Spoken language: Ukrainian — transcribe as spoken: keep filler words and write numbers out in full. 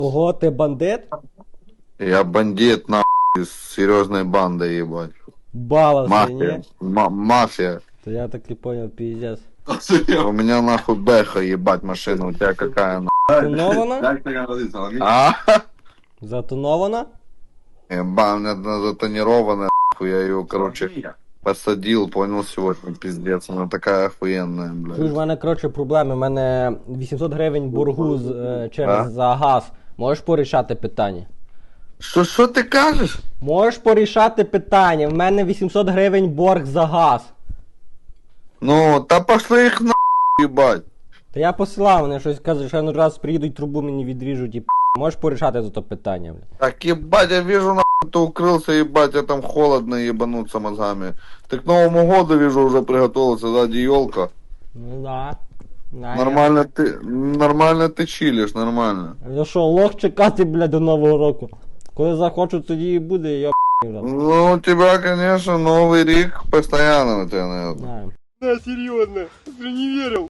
Ого, ти бандит? Я бандит, нахуй, из серьезной банды, ебать. Баловся, Мафия. ні? Ма- мафия. То я так і понял, пиздец. У меня нахуй бэха, ебать, машина. У тебя какая, нахуй? Тонована? А? Затонована? Еба, у меня она затонированная, нахуй. Я ее, короче, посадил, понял, сегодня, пиздец. Она такая охуенная, Чуєш, блядь. в мене, коротше, проблеми. У мене вісімсот гривень боргу з, е, через А? за газ. Можеш порішати питання? Что, что ты кажешь? Можеш порішати питання. В мене вісімсот гривень борг за газ. Ну, та пошли их нахуй, ебать. Та я посилав, вони щось кажуть, що ну раз приїдуть, трубу мені відріжуть і п***. Можеш порішати за то питання, бля. Так, ебать, я вижу, нахуй, ты укрылся, ебать, я там холодно ебануться мозгами. Ты к Новому году, вижу, уже приготовился, сзади елка. Ну да. да Нормально ты, нормально ты чилишь, нормально. Я... Я що, лох чекати, бля, до Нового року? Коли захочу, тоді і буде, я п***ю. Ну, у тебя, конечно, Новый Рик постоянно у тебя, наверное. Знаю. Да, серьезно, ты не верил.